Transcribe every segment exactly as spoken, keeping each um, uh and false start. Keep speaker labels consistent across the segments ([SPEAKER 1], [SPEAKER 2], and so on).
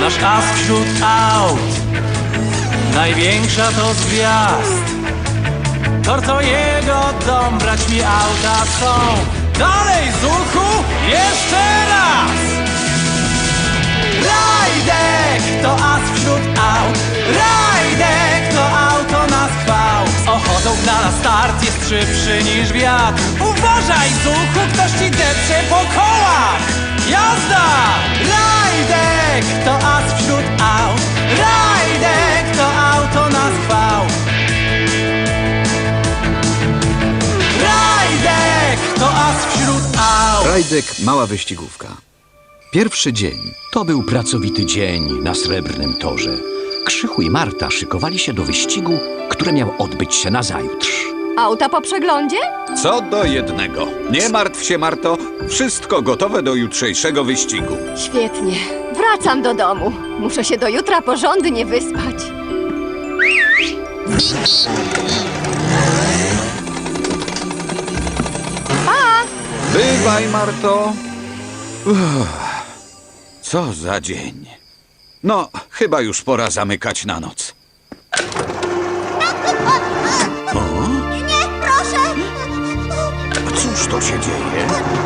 [SPEAKER 1] nasz as wśród aut. Największa to z gwiazd. Tor to jego dom, brać mi auta są. Dalej, Zuchu, jeszcze raz! Rajdek to as wśród aut. Rajdek to auto na schwał. Z ochotą na start jest szybszy niż wiatr. Uważaj, Zuchu, ktoś ci depcze po kołach. Jazda! Rajdek to as wśród aut. Rajdek to auto na schwał. Rajdek to as wśród aut.
[SPEAKER 2] Rajdek, mała wyścigówka. Pierwszy dzień.
[SPEAKER 3] To był pracowity dzień na Srebrnym Torze. Krzychu i Marta szykowali się do wyścigu, który miał odbyć się nazajutrz.
[SPEAKER 4] Auta po przeglądzie?
[SPEAKER 2] Co do jednego. Nie martw się, Marto. Wszystko gotowe do jutrzejszego wyścigu.
[SPEAKER 4] Świetnie. Wracam do domu. Muszę się do jutra porządnie wyspać. Pa!
[SPEAKER 2] Bywaj, Marto. Uff, co za dzień. No, chyba już pora zamykać na noc.
[SPEAKER 5] Nie, proszę!
[SPEAKER 2] Cóż to się dzieje?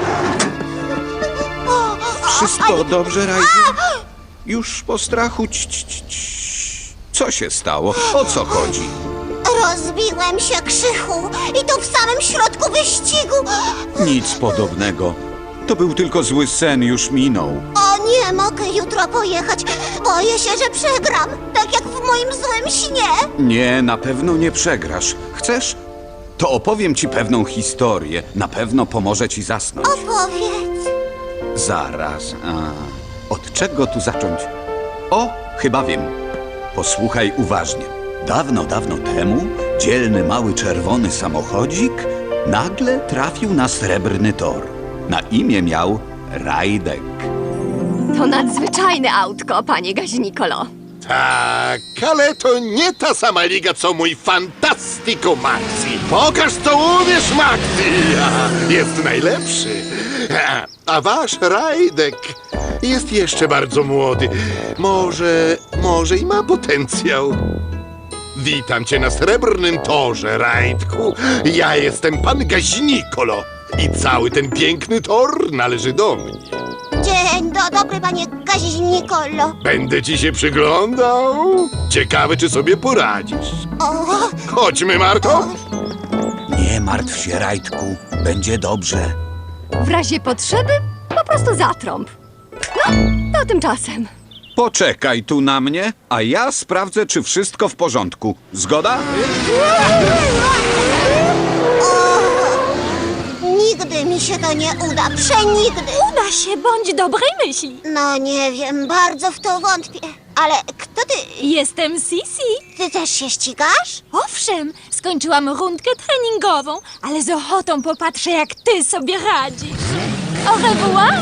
[SPEAKER 2] Wszystko dobrze, Rajdu? Już po strachu. Ć, ć, ć, ć. Co się stało? O co chodzi?
[SPEAKER 5] Rozbiłem się, Krzychu, i to w samym środku wyścigu.
[SPEAKER 2] Nic podobnego. To był tylko zły sen, już minął.
[SPEAKER 5] O, nie mogę jutro pojechać. Boję się, że przegram, tak jak w moim złym śnie.
[SPEAKER 2] Nie, na pewno nie przegrasz. Chcesz? To opowiem ci pewną historię. Na pewno pomoże ci zasnąć.
[SPEAKER 5] Opowiedz.
[SPEAKER 2] Zaraz. A, od czego tu zacząć? O, chyba wiem. Posłuchaj uważnie. Dawno, dawno temu dzielny mały czerwony samochodzik nagle trafił na Srebrny Tor. Na imię miał Rajdek.
[SPEAKER 4] To nadzwyczajne autko, panie Gaźnikolo.
[SPEAKER 6] Tak, ale to nie ta sama liga, co mój Fantastico Maxi. Pokaż, co umiesz, Maxi! Jest najlepszy. A wasz Rajdek jest jeszcze bardzo młody. Może, może i ma potencjał. Witam cię na Srebrnym Torze, Rajdku. Ja jestem pan Gaźnikolo i cały ten piękny tor należy do mnie.
[SPEAKER 5] Dzień do dobry, panie Gaźnikolo.
[SPEAKER 6] Będę ci się przyglądał. Ciekawy, czy sobie poradzisz.
[SPEAKER 5] O,
[SPEAKER 6] Chodźmy, Marto.
[SPEAKER 2] Nie martw się, Rajdku. Będzie dobrze.
[SPEAKER 4] W razie potrzeby po prostu zatrąb. No, to tymczasem.
[SPEAKER 2] Poczekaj tu na mnie, a ja sprawdzę, czy wszystko w porządku. Zgoda?
[SPEAKER 5] nigdy mi się to nie uda, przenigdy.
[SPEAKER 7] Uda się, bądź dobrej myśli.
[SPEAKER 5] No nie wiem, bardzo w to wątpię. Ale kto ty?
[SPEAKER 7] Jestem Sisi.
[SPEAKER 5] Ty też się ścigasz?
[SPEAKER 7] Owszem, skończyłam rundkę treningową, ale z ochotą popatrzę, jak ty sobie radzisz. Au revoir.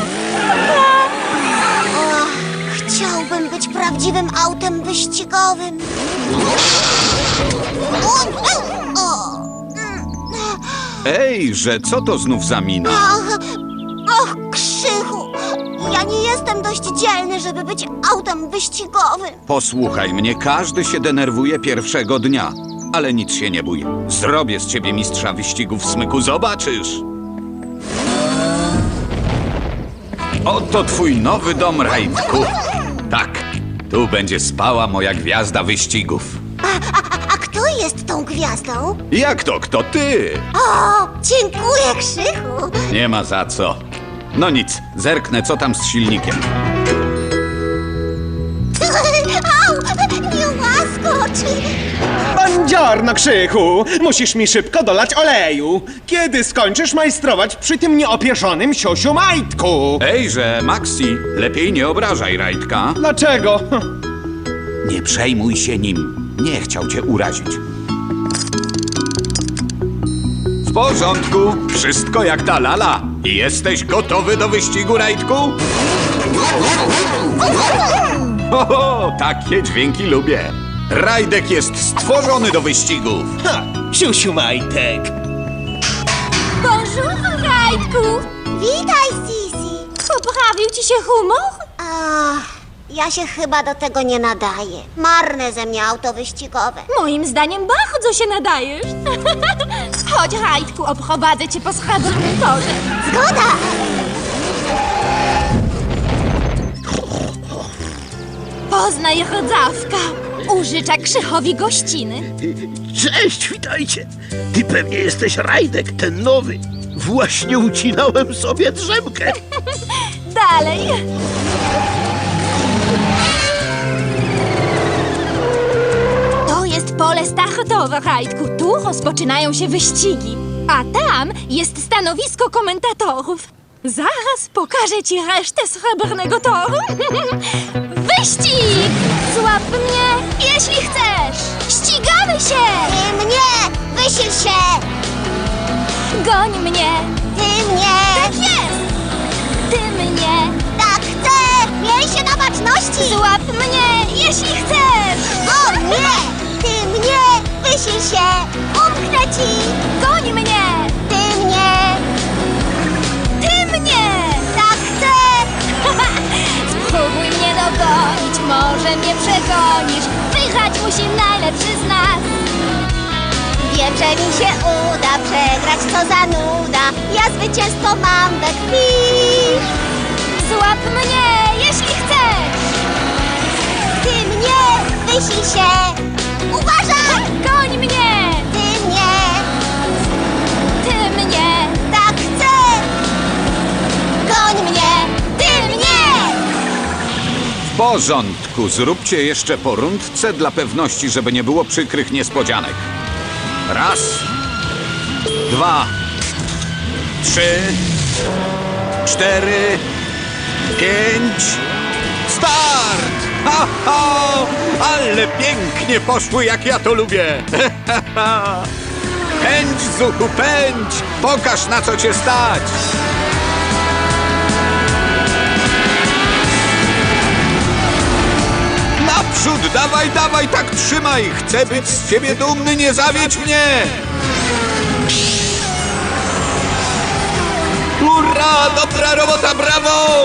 [SPEAKER 5] O, chciałbym być prawdziwym autem wyścigowym. O, o,
[SPEAKER 2] Ej, że co to znów za mina?
[SPEAKER 5] och, och, Krzychu, ja nie jestem dość dzielny, żeby być autem wyścigowym.
[SPEAKER 2] Posłuchaj mnie, każdy się denerwuje pierwszego dnia. Ale nic się nie bój. Zrobię z ciebie mistrza wyścigów, Smyku, zobaczysz. Oto twój nowy dom, Rajdku. Tak, tu będzie spała moja gwiazda wyścigów.
[SPEAKER 5] A kto jest tą gwiazdą?
[SPEAKER 2] Jak to, kto ty?
[SPEAKER 5] O, dziękuję, Krzychu.
[SPEAKER 2] Nie ma za co. No nic, zerknę, co tam z silnikiem.
[SPEAKER 5] Au, nie łaskocz.
[SPEAKER 8] Buongiorno, Krzychu! Musisz mi szybko dolać oleju. Kiedy skończysz majstrować przy tym nieopieszonym siosiu majtku?
[SPEAKER 2] Ejże, Maxi, lepiej nie obrażaj Rajdka.
[SPEAKER 8] Dlaczego?
[SPEAKER 2] Nie przejmuj się nim. Nie chciał cię urazić. W porządku, wszystko jak ta lala. Jesteś gotowy do wyścigu, Rajdku? Oho, takie dźwięki lubię. Rajdek jest stworzony do wyścigów.
[SPEAKER 8] Ha! Siusiu majtek!
[SPEAKER 7] Bonjour, Rajdku.
[SPEAKER 5] Witaj, Sisi.
[SPEAKER 7] Poprawił ci się humor?
[SPEAKER 5] A, Ja się chyba do tego nie nadaję. Marne ze mnie auto wyścigowe.
[SPEAKER 7] Moim zdaniem bardzo się nadajesz. Chodź, Rajdku, obprowadzę cię po srebrnym torze.
[SPEAKER 5] Zgoda!
[SPEAKER 7] Poznaj rodzawka. Użycza Krzychowi gościny.
[SPEAKER 9] Cześć, witajcie! Ty pewnie jesteś Rajdek, ten nowy. Właśnie ucinałem sobie drzemkę.
[SPEAKER 7] Dalej. To jest pole startowe, Rajdku. Tu rozpoczynają się wyścigi. A tam jest stanowisko komentatorów. Zaraz pokażę ci resztę srebrnego toru. Wyścig! Złap mnie, jeśli chcesz! Ścigamy się!
[SPEAKER 5] Ty mnie! Wysil się!
[SPEAKER 7] Goń mnie!
[SPEAKER 5] Ty mnie!
[SPEAKER 7] Tak jest! Ty mnie!
[SPEAKER 5] Tak chcę! Miej się na baczności!
[SPEAKER 7] Złap mnie, jeśli chcesz!
[SPEAKER 5] O nie! Ty mnie! Wysil się! Umknę ci!
[SPEAKER 7] Goń mnie!
[SPEAKER 5] Ty mnie!
[SPEAKER 7] Ty mnie!
[SPEAKER 5] Tak chcę!
[SPEAKER 7] Spróbuj mnie dogonić, może mnie przegonisz. Wygrać musi najlepszy z nas.
[SPEAKER 5] Wiem, że mi się uda przegrać, co za nuda. Ja zwycięstwo mam we krwi.
[SPEAKER 7] Złap mnie, jeśli chcesz!
[SPEAKER 5] Ty mnie! Wysil się! Uważaj!
[SPEAKER 7] Goń mnie!
[SPEAKER 5] Ty mnie!
[SPEAKER 7] Ty mnie!
[SPEAKER 5] Tak chcę! Goń mnie! Ty mnie!
[SPEAKER 2] W porządku, zróbcie jeszcze po rundce dla pewności, żeby nie było przykrych niespodzianek. Raz, dwa, trzy, cztery, pięć, start! Ha, ha! Ale pięknie poszły, jak ja to lubię! Pędź, Zuchu, pędź! Pokaż, na co cię stać! Naprzód, dawaj, dawaj, tak trzymaj! Chcę być z ciebie dumny, nie zawiedź mnie! Hurra, dobra robota, brawo!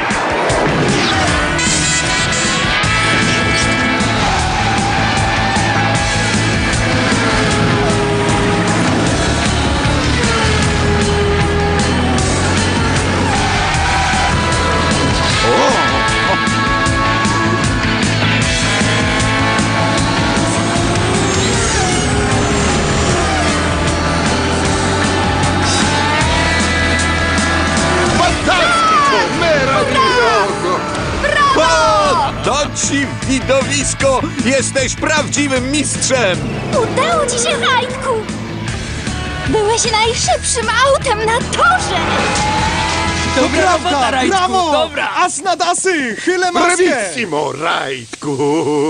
[SPEAKER 6] Fantastico! Meraviglioso!
[SPEAKER 2] O, to ci widowisko! Jesteś prawdziwym mistrzem!
[SPEAKER 7] Udało ci się, Rajdku! Byłeś najszybszym autem na torze!
[SPEAKER 1] Dobra robota, Rajdku,
[SPEAKER 8] Brawo!
[SPEAKER 1] dobra!
[SPEAKER 8] As nad asy! Chylę maskę!
[SPEAKER 6] Bravissimo, Rajdku!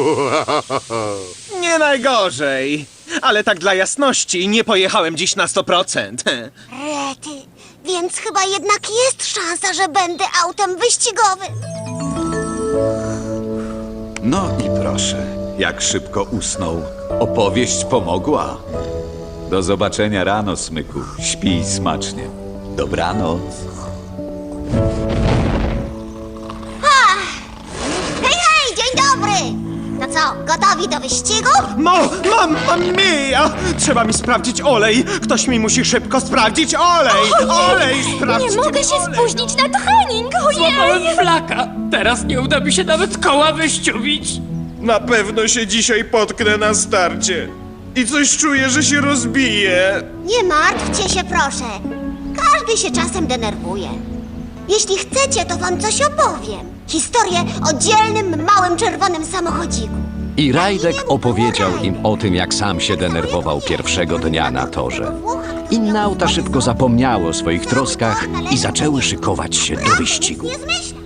[SPEAKER 8] Nie najgorzej. Ale tak dla jasności, nie pojechałem dziś na sto procent.
[SPEAKER 5] Rety, więc chyba jednak jest szansa, że będę autem wyścigowym.
[SPEAKER 2] No i proszę, jak szybko usnął. Opowieść pomogła. Do zobaczenia rano, Smyku. Śpij smacznie. Dobranoc.
[SPEAKER 5] Hej, hej, dzień dobry! No co, gotowi do wyścigu?
[SPEAKER 8] Mo, mam, mam mija! Trzeba mi sprawdzić olej. Ktoś mi musi szybko sprawdzić olej. Olej, sprawdźcie
[SPEAKER 7] Nie mogę
[SPEAKER 8] mi
[SPEAKER 7] się
[SPEAKER 8] olej.
[SPEAKER 7] spóźnić na trening! Ojej!
[SPEAKER 1] Złapałem flaka! Teraz nie uda mi się nawet koła wyściubić!
[SPEAKER 8] Na pewno się dzisiaj potknę na starcie. I coś czuję, że się rozbije.
[SPEAKER 5] Nie martwcie się, proszę. Każdy się czasem denerwuje. Jeśli chcecie, to wam coś opowiem. Historię o dzielnym, małym, czerwonym samochodziku.
[SPEAKER 3] I Rajdek opowiedział im o tym, jak sam się denerwował pierwszego dnia na torze. Inne auta szybko zapomniały o swoich troskach i zaczęły szykować się do wyścigu.
[SPEAKER 5] Nie zmyślam.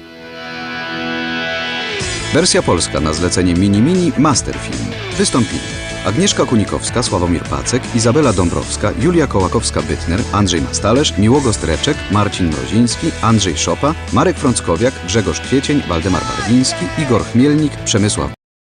[SPEAKER 10] Wersja polska na zlecenie Mini Mini Masterfilm. Wystąpili Agnieszka Kunikowska, Sławomir Pacek, Izabela Dąbrowska, Julia Kołakowska-Bytner, Andrzej Mastalerz, Miłogo Streczek, Marcin Mroziński, Andrzej Szopa, Marek Frąckowiak, Grzegorz Kwiecień, Waldemar Barwiński, Igor Chmielnik, Przemysław